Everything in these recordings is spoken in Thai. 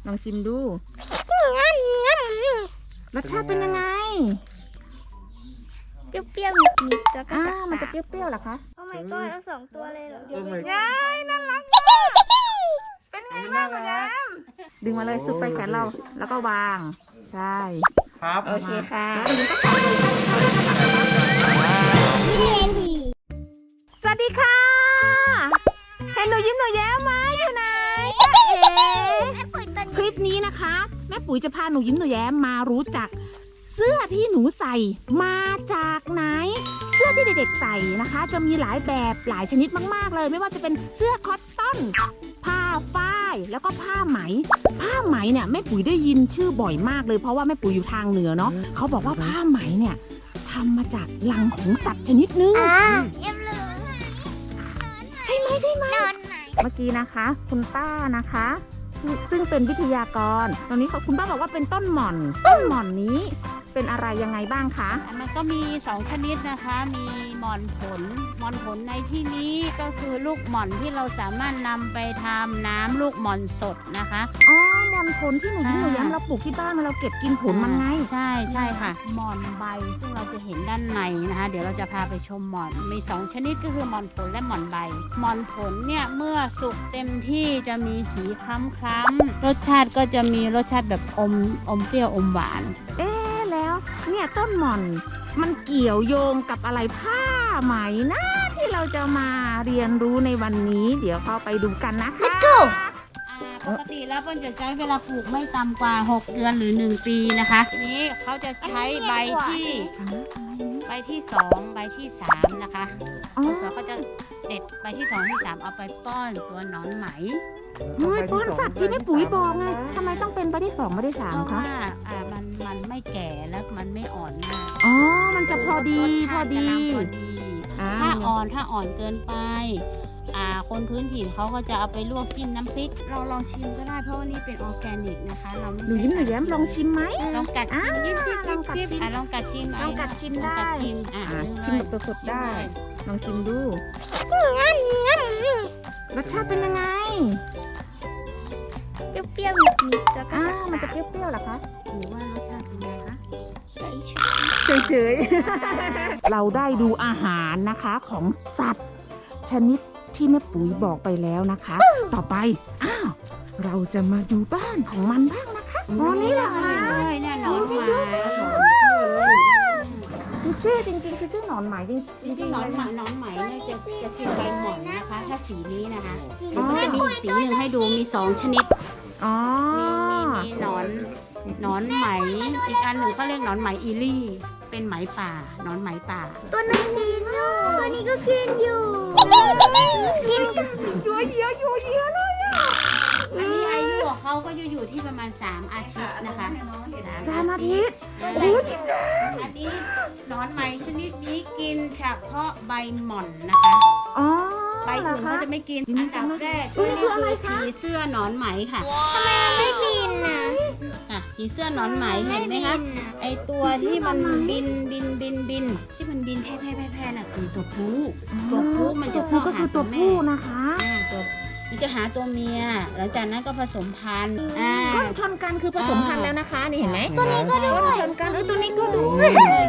ลองชิมดูรสชาติเป็นยังไงเปรี้ยวๆนิดๆแล้วก็มันจะเปรี้ยวๆเหรอคะโอ้ my god เอา2 ตัวเลยเหรอยายน่ารักเป็นไงบ้างคุณยายดึงมาเลยสุดไปแขนเราแล้วก็วางใช่ครับโอเคค่ะสวัสดีค่ะเห็นหนูยิ้มหนูแย้มไหมอยู่ไหนคลิปนี้นะคะแม่ปุ๋ยจะพาหนูยิ้มหนูแย้มมารู้จักเสื้อที่หนูใส่มาจากไหนเสื้อที่เด็กๆใส่นะคะจะมีหลายแบบหลายชนิดมากๆเลยไม่ว่าจะเป็นเสื้อคอตตอนผ้าฝ้ายแล้วก็ผ้าไหมเนี่ยแม่ปุ๋ยได้ยินชื่อบ่อยมากเลยเพราะว่าแม่ปุ๋ยอยู่ทางเหนือเนาะเขาบอกว่าผ้าไหมเนี่ยทำมาจากรังของสัตว์ชนิดนึงใช่ไหมเมื่อกี้นะคะคุณป้านะคะซึ่งเป็นวิทยากรตอนนี้คุณป้าบอกว่าเป็นต้นหม่อนนี้เป็นอะไรยังไงบ้างคะมันก็มี2ชนิดนะคะมีหม่อนผลในที่นี้ก็คือลูกหม่อนที่เราสามารถนำไปทำน้ำลูกหม่อนสดนะคะอ๋อหม่อนผลที่หนูย้ำเราปลูกที่บ้านเราเก็บกินผลมันไงใช่ค่ะหม่อนใบซึ่งเราจะเห็นด้านในนะคะเดี๋ยวเราจะพาไปชมหม่อนมี2ชนิดก็คือหม่อนผลและหม่อนใบหม่อนผลเนี่ยเมื่อสุกเต็มที่จะมีสีคล้ำรสชาติก็จะมีรสชาติแบบอมเปรี้ยวอมหวานแล้วเนี่ยต้นหม่อนมันเกี่ยวโยงกับอะไรผ้าไหมนะที่เราจะมาเรียนรู้ในวันนี้เดี๋ยวเข้าไปดูกันนะคะ Let's go ปกติแล้วเปิ้ลจะใช้เวลาปลูกไม่ต่ำกว่า6 เดือนหรือ1 ปีนะคะทีนี้เขาจะใช้ใบที่2ใบที่3นะคะสอก็จะเด็ดใบที่2ที่3เอาไปป้อนตัวหนอนไหมป้อนสัตว์ที่แม่ปุ๋ยบอกไงทำไมต้องเป็นใบที่2ใบที่3คะเพราะว่ามันไม่แก่แล้วมันไม่อ่อนมากมันจะพอดีถ้าอ่อนเกินไปคนพื้นถิ่นเขาก็จะเอาไปลวกจิ้มน้ำพริกเราลองชิมก็ได้เพราะว่านี่เป็นออร์แกนิกนะคะเราไม่ใช่หนูยิ้มลองชิมไหมลองกัดชิมลองกัดชิมได้ชิมแบบสดๆได้ลองชิมดูรสชาติเป็นยังไงเปรี้ยวๆนิดๆแล้วก็มันจะเปรี้ยวๆเหรอคะหรือว่ารสชาติเป็นไงคะเฉยๆเราได้ดูอาหารนะคะของสัตว์ชนิดที่แม่ปุ๋ยบอกไปแล้วนะคะต่อไปเราจะมาดูบ้านของมันบ้างนะคะนี่แหละค่ะแน่นอนชื่อจริงๆคือชื่อหนอนไหมจริงหนอนไหมเนี่ยจะกินใบหม่อนนะคะถ้าสีนี้นะคะมันจะมีสีหนึ่งให้ดูมี2ชนิดมีหนอนไหมอีกอันหนึ่งเขาเรียกหนอนไหมอีลี่เป็นไหมป่าหนอนไหมป่าตัวนึงกินอยู่ตัวนี้ก็กินอยู่กินยัวเยียเลยอันนี้อายุของเขาก็อยู่ที่ประมาณ3 อาทิตย์นะคะ 3 อาทิตย์อันนี้หนอนไหมชนิดนี้กินเฉพาะใบหม่อนนะคะใบอื่นเขาจะไม่กินอันดับแรกก็นี่คือผีเสื้อหนอนไหมค่ะทำไมมันไม่บินผีเสื้อหนอนไหมเห็นไหมคะไอตัวที่มันบินที่มันบินแพร่น่ะคือตัวผู้มันจะซ่อนหาตัวแม่นะคะมันจะหาตัวเมียหลังจากนั้นก็ผสมพันธุ์ก้อนชนกันคือผสมพันธุ์แล้วนะคะนี่เห็นไหมตัวนี้ก็ด้วยชนกันตัวนี้ก็ด้วย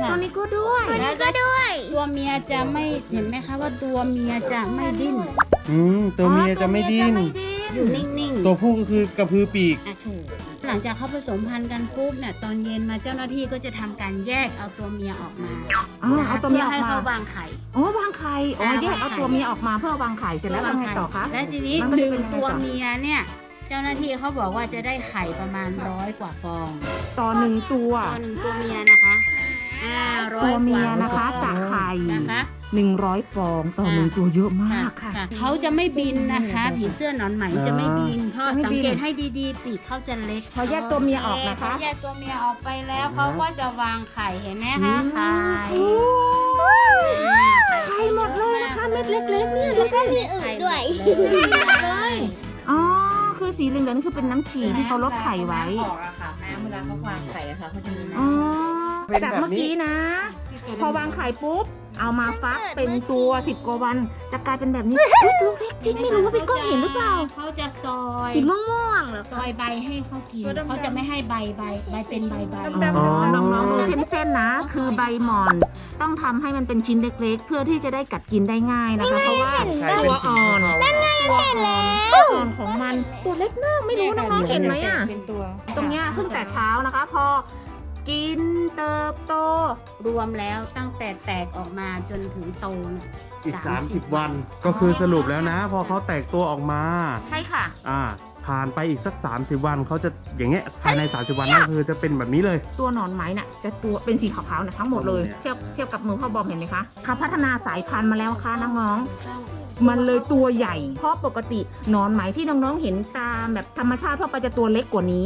ตัวเมียจะไม่เห็นไหมคะว่าตัวเมียจะไม่ดิ้นตัวเมียจะไม่ดิ้นอยู่นิ่งๆตัวผู้ก็คือกระพือปีกถูกหลังจากเขาผสมพันธุ์กันปุ๊บเนี่ยตอนเย็นมาเจ้าหน้าที่ก็จะทำการแยกเอาตัวเมียออกมาเอาตัวเมียออกมาให้เขาวางไข่วางไข่แยกเอาตัวเมียออกมาเพื่อวางไข่เสร็จแล้วทำไงต่อคะและทีนี้1 ตัวเมียเนี่ยเจ้าหน้าที่เขาบอกว่าจะได้ไข่ประมาณ100 กว่าฟองต่อ1 ตัวเมียนะคะตัวเมียนะคะจากไข่นะคะ100 ฟองต่อ1 ตัวเยอะมากค่ะเขาจะไม่บินนะคะผีเสื้อหนอนไหมจะไม่บินเพราะสังเกตให้ดีๆปีกเขาจะเล็กพอแยกตัวเมียออกนะคะแยกตัวเมียออกไปแล้วเขาก็จะวางไข่เห็นไหมคะไข่หมดเลยนะคะเม็ดเล็กๆเนี่ยแล้วก็มีอึด้วยคือสีเหลืองๆนี่คือเป็นน้ำฉี่ที่เขาลดไข่ไว้ออกอะค่ะน้ำเวลาเขาวางไข่อะค่ะเขาจะมีน้ำจากเมื่อกี้นะพอวางไข่ปุ๊บเอามาฟักเป็นตัว10 กว่าวันจะกลายเป็นแบบนี้อุ๊ยลูกเล็กจริงไม่รู้ว่าพี่ก้องเห็นหรือเปล่าเขาจะซอยสีม่วงๆเหรอซอยใบให้เขากินเขาจะไม่ให้ใบเป็นใบอ๋อน้องๆดูเส้นๆนะ คือใบหม่อนต้องทำให้มันเป็นชิ้นเล็กๆ เพื่อที่จะได้กัดกินได้ง่ายนะคะ เพราะว่าตัวอ่อนตัวอ่อนของมันตัวเล็กมากไม่รู้น้องๆเห็นไหมอ่ะเป็นตัวตรงเนี้ยเพิ่งแต่เช้านะคะ พอกินเติบโตรวมแล้วตั้งแต่แตกออกมาจนถึงโตเนี่ยอีก 30 วัน ก็คือสรุปแล้วนะ พอเขาแตกตัวออกมาใช่ค่ะผ่านไปอีกสัก 30 วันเขาจะอย่างเงี้ยภายใน 30 วันนั่นคือจะเป็นแบบนี้เลยตัวหนอนไหมน่ะจะตัวเป็นสีขาวๆนะทั้งหมดเลย เทียบกับมือพ่อบอมเห็นไหมคะเขาพัฒนาสายพันธุ์มาแล้วค่ะน้องๆมันเลยตัวใหญ่ เพราะปกติหนอนไหมที่น้องๆเห็นตามแบบธรรมชาติทั่วไปจะตัวเล็กกว่านี้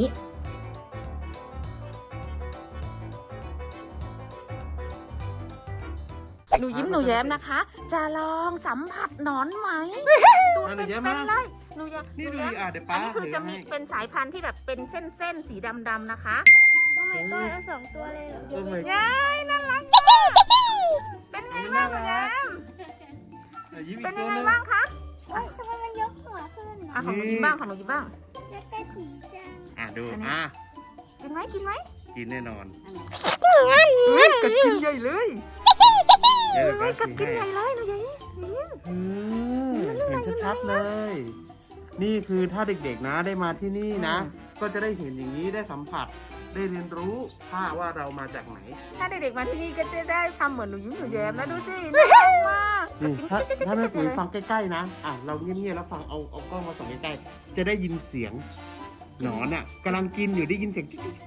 หนูยิ้มหนูแย้มนะคะ จะลองสัมผัสหนอนไหมตัวเป็นๆเลยหนูแย้มนี่หนูดีแย้มเดี๋ยวอัป้านนี้คือจะมีเป็นสายพันธุ์ที่แบบเป็นเส้นๆสีดำๆนะคะโอ้ my god เอา2 ตัวเลยเหรอโอ้ my ยายน่ารักมากเป็นไงบ้างหนูแย้มยิ้มอีเป็นกยังตัวไงหนึ่งบ้างคะโอ๊ยทำไมมันยกหัวขึ้นอ่ะของหนูยิ้มบ้างของหนูยิ้มบ้างจะกระจีจังดูอันนี้ กินไหมกินแน่นอนกัดกินใหญ่เลยเดี๋ยวป้ากัดกินชี้ใหให้ญ่เลยหนูยิ้มเห็นชัดๆเลย นี่คือถ้าเด็กๆนะได้มาที่นี่นะ ก็จะได้เห็นอย่างนี้ได้สัมผัสได้เรียนรู้ว่าเรามาจากไหนถ้าเด็กๆมาที่นี่ก็จะได้ทำเหมือนหนูยิ้มหนูแย้มนะดูสิน่ารักมากนี่ถ้าแม่ปุ๋ยฟังใกล้ๆนะเราเงียบๆแล้วฟังเอากล้องมาส่องใกล้ๆจะได้ยินเสียงหนอนกำลังกินอยู่ได้ยินเสียงจิ๊ก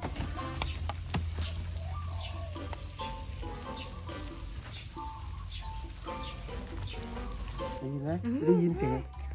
ได้ยินไหมได้ยินเสียง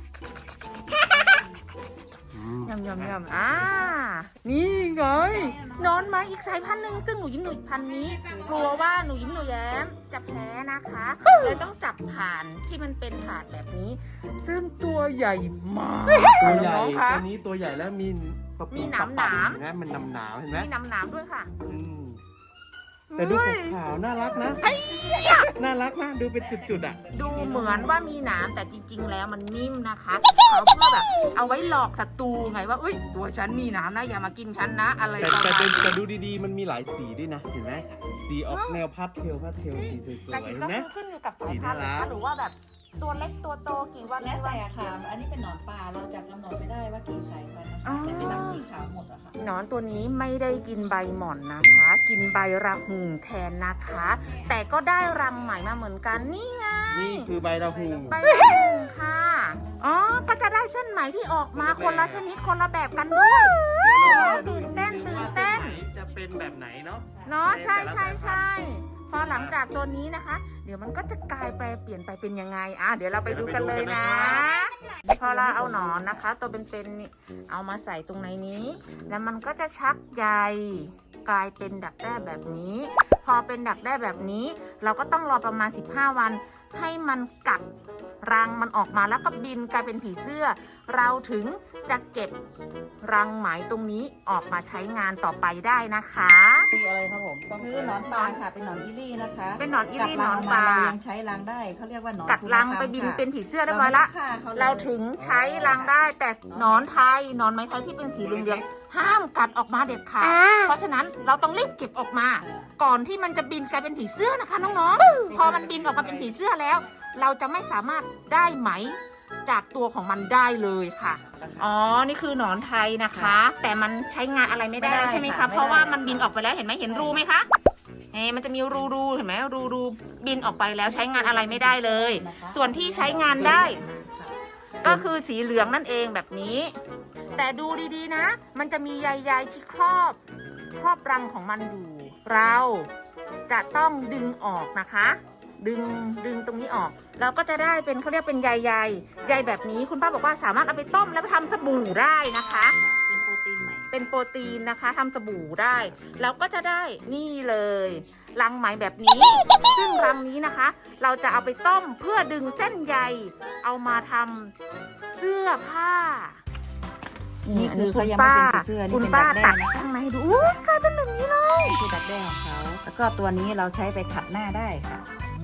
ยำนี่ไงนอนไหมาอีกสายพันธุ์หนึ่งซึ่งหนูยิ้มหนูพันธุ์นี้ กลัวว่าหนูยิ้มหนูแย้มจะแพ้นะคะเลยต้องจับผ่านที่มันเป็นถาดแบบนี้ ซึ่งตัวใหญ่มากตัวใหญ่น้องๆคะตัวนี้ตัวใหญ่แล้วมีตะปูมีหนามปักๆหนามเห็นะมันหนามๆเห็นไหมมีน้ำด้วยค่ะอืมแต่ดูขาวๆน่ารักนะน่ารักนะดูเป็นจุดๆดูเหมือนว่ามีหนามแต่จริง ๆ แล้วมันนิ่มนะคะเขาเพื่อแบบเอาไว้หลอกศัตรูไงว่าอุ้ยตัวฉันมีหนามนะอย่ามากินฉันนะ อะไรแต่ประมาณนี้แต่ดูดีๆมันมีหลายสีด้วยนะเห็นไหมสีออกแนวพาสเทลสีสวยแต่ๆจริเห็งนก็ไหมคือขึ้นอยู่กับสายสีพันน่าธุ์รันะคะกหรือว่าแบบตัวเล็กตัวโตกี่วันแล้วแต่ค่ะ อันนี้เป็นหนอนป่าเราจะกำหนดไม่ได้ว่ากี่สายพันธุ์นะคะแต่เป็นรังสีขาวหมดอะค่ะหนอนตัวนี้ไม่ได้กินใบหม่อนนะคะ กินใบระหุ่งแทนนะคะ แต่ก็ได้รังใหม่มาเหมือนกันนี่ไงนี่คือใบระหุงใบระหุ่งค่ะอ๋อก็จะได้เส้นไหมที่ออกมาคนละชนิดคนละแบบกันด้วย ตื่นเต้นจะเป็นแบบไหนเนาะเนาะใช่พอหลังจากตัวนี้นะคะ เดี๋ยวมันก็จะกลายแปลเปลี่ยนไปเป็นยังไงเดี๋ยวเราไปดูกันเลยนะ พอเราเอาหนอนนะคะ ตัวเป็นๆนี่เอามาใส่ตรงในนี้ แล้วมันก็จะชักใยกลายเป็นดักแด้แบบนี้ พอเป็นดักแด้แบบนี้ เราก็ต้องรอประมาณ15 วัน ให้มันกัดรังมันออกมาแล้วก็บินกลายเป็นผีเสื้อ เราถึงจะเก็บรังไหมตรงนี้ออกมาใช้งานต่อไปได้นะคะคืออะไรครับผมต้องคือหนอนป่าค่ะ เป็นหนอนอีลี่นะคะเป็นหนอนอีลี่กัดรังหนอนป่าเรายังใช้รังได้เขาเรียกว่าหนอนกัดรังคุณธรรมไปบินค่ะเป็นผีเสื้อเรียบร้อยละไม่ฆ่ขลยเราถึงใช้รังได้แต่หนอนไทยหนอนไม้ไทยที่เป็นสีเหลืองๆห้ามกัดออกมาเด็ดขาดเพราะฉะนั้นเราต้องรีบเก็บออกมา ก่อนที่มันจะบินกลายเป็นผีเสื้อนะคะน้องๆพอมันบินออกมาเป็นผีเสื้อแล้ว เราจะไม่สามารถได้ไหมจากตัวของมันได้เลยค่ะอ๋อนี่คือหนอนไทยนะคะ แต่มันใช้งานอะไรไม่ได้ใช่ไหมคะเพราะว่ามันบินออกไปแล้วเห็นไหมเห็นรูไหมคะมันจะมีรูเห็นไหมรูบินออกไปแล้วใช้งานอะไรไม่ได้เลย ส่วนที่ใช้งานได้ ก็คือสีเหลืองนั่นเองแบบนี้ แต่ดูดีๆนะ มันจะมีใยๆที่ครอบรังของมันอยู่ เราจะต้องดึงออกนะคะ ดึงตรงนี้ออกเราก็จะได้เป็นเขาเรียกเป็นใยแบบนี้คุณป้าบอกว่าสามารถเอาไปต้มแล้วไปทำสบู่ได้นะคะเป็นโปรตีนใหม่เป็นโปรตีนนะคะทำสบู่ได้เราก็จะได้นี่เลยรังไหมแบบนี้ ซึ่งรังนี้นะคะ เราจะเอาไปต้มเพื่อดึงเส้นใยเอามาทำเสื้อผ้านี่คือเขายังไม่เป็นผีเสื้อนี่คุณเป็นป้าดักแด้ตัดนะคะข้างในดูอุ๊ยกลายเป็นแบบนี้เลยนี่คือดักแด้ของเขาแล้วก็ตัวนี้เราใช้ไปขัดหน้าได้ค่ะ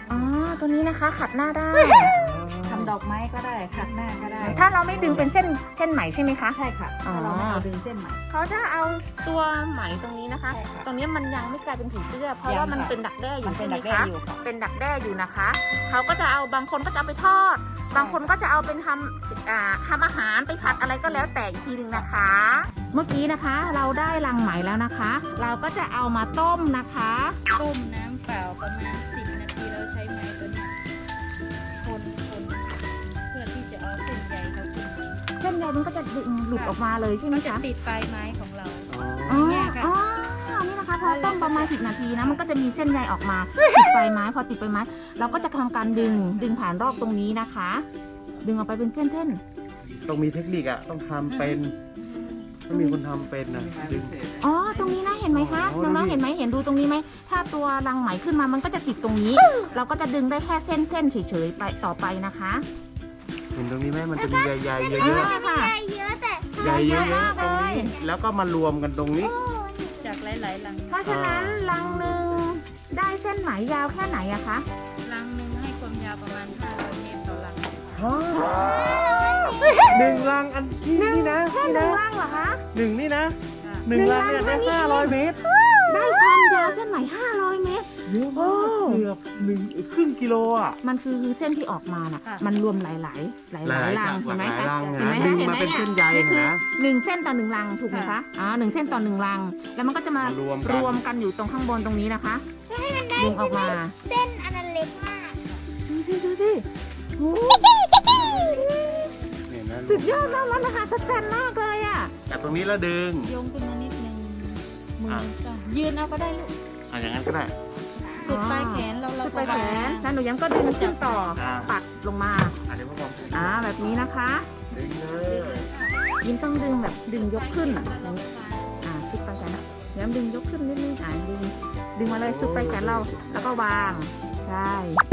อ๋อตัวนี้นะคะขัดหน้าได้ทำดอกไม้ก็ได้ขัดหน้าก็ได้ถ้าเราไม่ดึงเป็นเส้นไหมใช่ไหมคะใช่ค่ะอ๋อถ้าเราไม่เอาดึงเส้นไหมเขาจะเอาตัวไหมตรงนี้นะคะใช่ค่ะตรงนี้มันยังไม่กลายเป็นผีเสื้อ เพราะยังว่ามันค่ะเป็นดักแด้อมัยู่นเป็ใช่นไหมดักแด้คะอยู่ค่ะเป็นดักแด้อยู่นะคะ เขาก็จะเอาบางคนก็จะเอาไปทอด บางคนก็จะเอาเป็นทำอาหารไปผัดอะไรก็แล้วแต่อีกทีหนึ่งนะคะ เมื่อกี้นะคะเราได้รังไหมแล้วนะคะ เราก็จะเอามาต้มนะคะต้มน้ำเปล่าประมาณ10 นาทีเราใช้ไม้ตัวเนี้ยคนเพื่อที่จะเอาเส้นใยเขาขึ้นมาเส้นใยมันก็จะดึงหลุดออกมาเลยใช่ไหมมันจะคะติดปลายไม้ของเราอ๋อเนี่ยค่ะอ๋อนี่นะคะพอต้มประมาณ10 นาทีนะมันก็จะมีเส้นใยออกมาติดปลายไม้พอติดปลายไม้เราก็จะทำการดึงผ่านรอบตรงนี้นะคะ ดึงออกไปเป็นเส้นต้องมีเทคนิคอะต้องทำเป็นต้องมีคนทำเป็นนะดึงๆอ๋อตรงนี้นะเห็นไหมคะโอ้น้องดูดิๆเห็นไหมเห็นดูตรงนี้ไหมถ้าตัวรังไหมขึ้นมามันก็จะติดตรงนี้ เราก็จะดึงได้แค่เส้นเฉยๆไปต่อไปนะคะเห็นตรงนี้ไหมมันจะมีใยๆเยอะค่ะใหญ่เยอะแต่ๆใยเยอะๆตรงนี้แล้วก็มารวมกันตรงนี้จากหลายๆลังเพราะฉะนั้นรังหนึ่งได้เส้นไหมยาวแค่ไหนอะคะลังหนึ่งให้ความยาวประมาณ500 เมตรต่อลังหนึ่งรังอันนี่นะแค่หนึ่งรังเหรอคะหนึ่งนี่นะค่ะหนึ่งรังเนี่ยได้500 เมตรได้ความยาวเส้นไหม500 เมตรเยอะมากเกือบครึ่งกิโลอ่ะมันคือเส้นที่ออกมาน่ะค่ะมันรวมหลายรังเห็นไหมคะรังเห็นไหมดึคะงเห็นมาไหมเป็นเนี่ยเส้นใยนี่คือนะ 1 เส้นต่อ 1 รังถูกไหมคะอ๋อ1 เส้นต่อ 1 รัง แล้วมันก็จะมารวมกันรวมกันอยู่ตรงข้างบนตรงนี้นะคะดึงออกมาเส้นอันนั้นเล็กมากดูสิโอ้เนี่ยนะสุดยอดมากแล้วนะคะชัดเจนมากเลยอ่ะจากตรงนี้แล้วดึงโยงขึ้นมานิดนึงมืออ่ะก็ยืนเอาก็ได้ลูกอย่างนั้นก็ได้สุดปลายแขนเราสุดไปก็แขนแล้วหนูย้ำก็ดึงขึ้นต่ออ่าปัดลงมาเดี๋ยวพ่อบอกแบบนี้นะคะดึงเลยยิ้มต้องดึงแบบดึงยกขึ้นสุดไปแขนย้ำดึงยกขึ้นนิดนึงดึงมาเลยสุดไปแขนเราแล้วก็วางใช่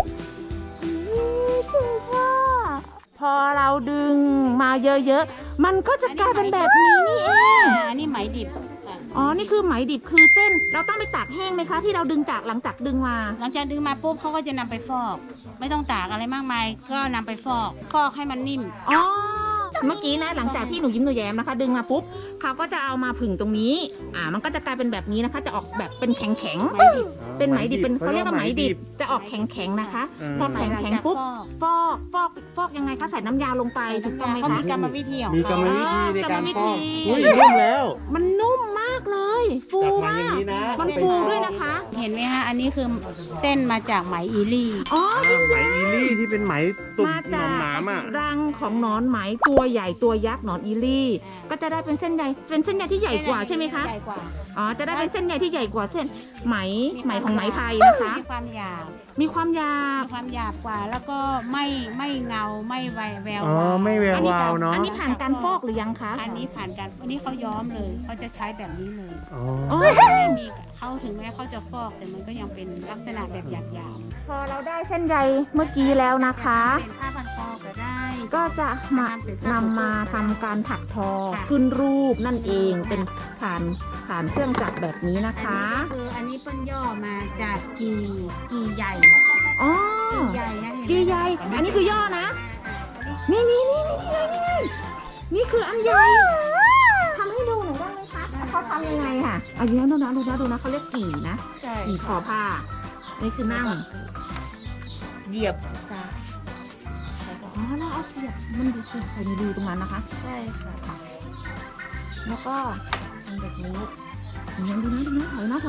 ถึงว่าพอเราดึงมาเยอะๆมันก็จะกลายเป็นแบบนี้นี่เองอันนี้ไหมดิบค่ะอ๋อนี่คือไหมดิบคือเส้นเราต้องไปตากแห้งไหมคะที่เราดึงจากหลังจากดึงมาหลังจากดึงมาปุ๊บเขาก็จะนำไปฟอก ไม่ต้องตากอะไรมากมาย ก็นำไปฟอกให้มันนิ่มอ๋อเมื่อกี้นะหลังจากที่หนูยิ้มหนูแย้มนะคะ ดึงมาปุ๊บเขาก็จะเอามาผึ่งตรงนี้ มันก็จะกลายเป็นแบบนี้นะคะ จะออกแบบเป็นแข็งแข็งๆเป็นไหมดิบเป็นเขาเรียกว่าไหมดิบจะออกแข็งแข็งๆนะคะพอแข็งแข็งๆปุ๊บฟอกยังไงคะใส่น้ำยาลงไปถูกต้องไหมเขาคะมีกรรมวิธีของมีกรรมเขาวิธีในการฟอกกรรมวิธีอุ้ยนุ่มแล้วมันนุ่มมากเลยฟูจากมาอมาย่างกนี้นะมันฟูด้วยนะคะเห็นไหมคะอันนี้คือเส้นมาจากไหมอีลี่อ๋อไหมอีลี่ที่เป็นไหมตุ่มมาหนจาอก นหนามอ่ะรังของหนอนไหมตัวใหญ่ตัวยักษ์หนอนอีลี่ ก็จะได้เป็นเส้นใยเป็นเส้นใยที่ใหญ่กว่าใช่ไหมคะใหญ่กว่าอ๋อจะได้เป็นเส้นใยที่ใหญ่กว่าเส้นไหมของไหมไทยนะคะมีความหยาบมีความยาวมีความหยาบกว่า แล้วก็ไม่เงาไม่แววอ๋อวาวไม่แวววาวเนาะอันนี้ผ่านการฟอกหรือยังคะอันนี้ผ่านการอันนี้เขาย้อมเลยเขาจะใช้แบบนี้เลยอ๋ออ๋อไม่มีเขาถึงแม้เขาจะฟอกแต่มันก็ยังเป็นลักษณะแบบหยาบพอเราได้เส้นใยเมื่อกี้แล้วนะๆคะเป็นผ้าพันคอก็ได้ก็จะมานำมาทำการถักทอขึ้นรูปนั่นเองเป็นผ่านเครื่องจักรแบบนี้นะคะอันนี้เปิ้นย่อมาจากกีใหญ่อ๋อกีใหญ่นะกีใหญ่อันนี้คือย่อนะ นี่นี่คืออันใหญ่ทำให้ดูหน่อยได้ไหมคะเขาทำยังไงค่ะอันนี้ดูนะเขาเรียกกี่นะใช่กี่คอผ้า นี่คือนั่งเหยียบจ้าอ๋อแล้วเอาเสียบมันดูสิใส่ในรูตรงนั้นนะคะใช่ค่ะแล้วก็ทำแบบนี้ยังดูนะถอยนะ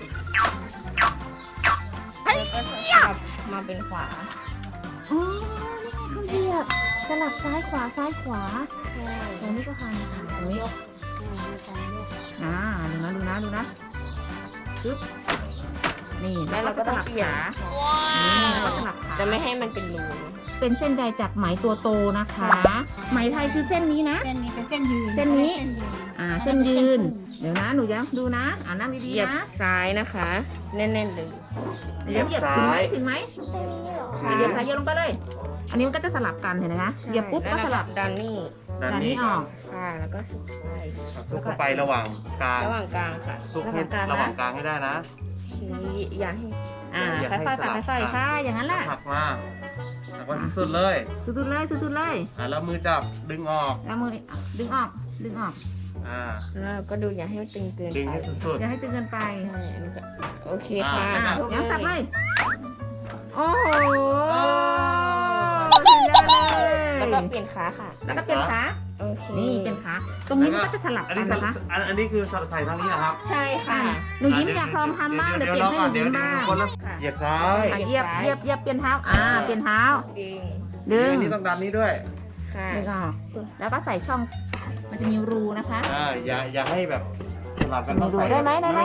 แล้วก็สลับมาเป็นขวาอ๋อนี่ไงเขาเสียบสลับซ้ายขวาซ้ายขวาใช่ตรงนี้ก็ทำตรงนี้ ดูนะปึ๊บนี่แล้วเราก็สลับขานี่แล้วก็สลับขาจะไม่ให้มันเป็นรูเป็นเส้นใยจากไหมตัวโตนะคะ ไหมไทยคือเส้นนี้นะเส้นนี้เป็นเส้นยืนเส้นนี้ เส้นยืนเส้นเดี๋ยวนะหนูย้ำดูนะนั่งดีๆนะซ้ายนะคะแน่นๆเลยเหยียบถึงไหมเหยียบซ้ายเหยียบลงไปเลย อันนี้มันก็จะสลับกันเห็นไหมคะเหยียบปุ๊บก็สลับดันนี่ด้านด้านนี้นี้ออกค่ะแล้วก็สุดท้ายซุกเข้าไประหว่างกลางระหว่างกลางค่ะซุกให้ระหว่างกลางให้ได้นะอย่าให้อย่าค่อยให้ๆสค่ะลับค่อยๆค่ะอย่างนั้นแหละหักมาสุดๆเลยสุดๆเลยสุดๆเลยแล้วมือจับดึงออกแล้วมือดึงออกดึงออกแล้วก็ดูอย่าให้มันตึงเกินดึงไปให้สุดอย่าให้ตึงเกินไปใช่อันนี้ก็โอเคค่ะอ่ะทุกยังสับเลเลย ยโอ้โหสุดยอดเลยแล้วก็เปลี่ยนขาค่ะแล้วก็เปลี่ยนขาโอเคนี่เป็นขาตรงนี้มันก็จะสลับอันกันี้นนะคะอันนี้คือใส่ทางนี้นะครับใช่ค่ะหนูยิ้มอยากลองทำบ้างเดี๋ยวเปลี่ยนให้หนูยิ้มบ้างคนละค่ะเหยียบซ้ายอ่ะเหยียบเปลี่ยนเท้าเปลี่ยนเท้าดึงดึงอันนี้ต้องดันนี้ด้วยค่ะดึงออกแล้วก็ใส่ช่องมันจะมีรูนะคะอย่าให้แบบสลับกันต้องใส่ได้ไหมได้ไหม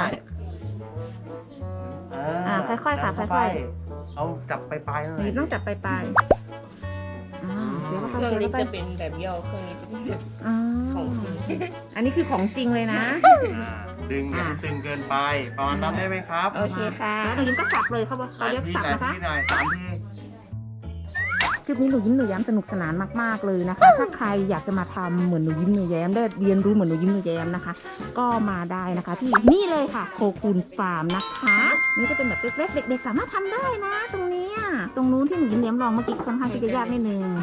ค่อยๆค่ะค่อยๆเอาจับปลายๆหน่หอนูยยิ้มต้องจับปลายๆเดี๋ยวเครื่องเข้านี้ไปจะเป็นแบบย่อเครื่องนี้จะเป็นแบบอ๋อของจริงอันนี้คือของจริงเลยนะดึงอย่าให้ตึงเกินไปประมาณนั้นได้ไหมครับโอเคค่ะแล้วหนูยิ้มก็สับเลยเขาเรียกสับนะคะที่หน่อย3 ทีคลิปนี้หนูยิ้มหนูแย้มสนุกสนานมากๆเลยนะคะ ถ้าใครอยากจะมาทำเหมือนหนูยิ้มหนูแย้มได้เรียนรู้เหมือนหนูยิ้มหนูแย้มนะคะ ก็มาได้นะคะ ที่นี่เลยค่ะโคคูนฟาร์มนะคะนี่จะเป็นแบบเล็กๆเด็กๆสามารถทำได้นะ ตรงเนี้ยตรงนู้นที่หนูยิ้มแย้มลองเมื่อกี้ค่อนข้างที่จะยากนิดนึง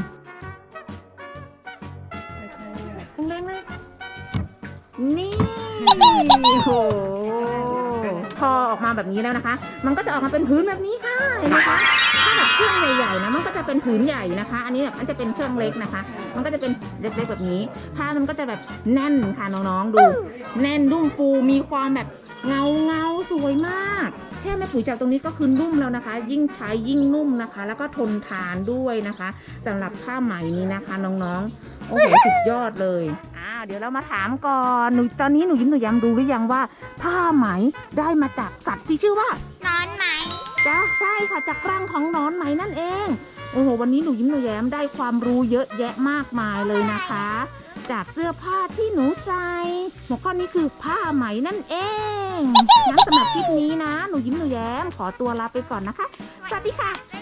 แรงๆเลยนี่โอ้โหพอออกมาแบบนี้แล้วนะคะ มันก็จะออกมาเป็นพื้นแบบนี้ค่ะเห็นไหมคะถ้าแบบเครื่องใหญ่ๆนะมันก็จะเป็นผืนใหญ่นะคะ อันนี้แบบมันจะเป็นเครื่องเล็กนะคะ มันก็จะเป็นเล็กๆแบบนี้ผ้ามันก็จะแบบแน่นค่ะน้องๆดูแน่นนุ่มฟูมีความแบบเงาสวยมากแค่แม่ปุ๋ยจับตรงนี้ก็คือนุ่มแล้วนะคะ ยิ่งใช้ยิ่งนุ่มนะคะ แล้วก็ทนทานด้วยนะคะสำหรับผ้าไหมนี้นะคะน้องๆโอ้โหสุดยอดเลยเดี๋ยวเรามาถามก่อนตอนนี้หนูยิ้มหนูแย้มรู้หรือยังว่าผ้าไหมได้มาจากสัตว์ที่ชื่อว่านอนไหมจ้าใช่ค่ะจากรังของหนอนไหมนั่นเองโอ้โหวันนี้หนูยิ้มหนูแย้มได้ความรู้เยอะแยะมากมายเลยนะคะ จากเสื้อผ้าที่หนูใส่หัวข้อนี้คือผ้าไหมนั่นเองงั้นสำหรับคลิปนี้นะหนูยิ้มหนูแย้มขอตัวลาไปก่อนนะคะสวัสดีค่ะ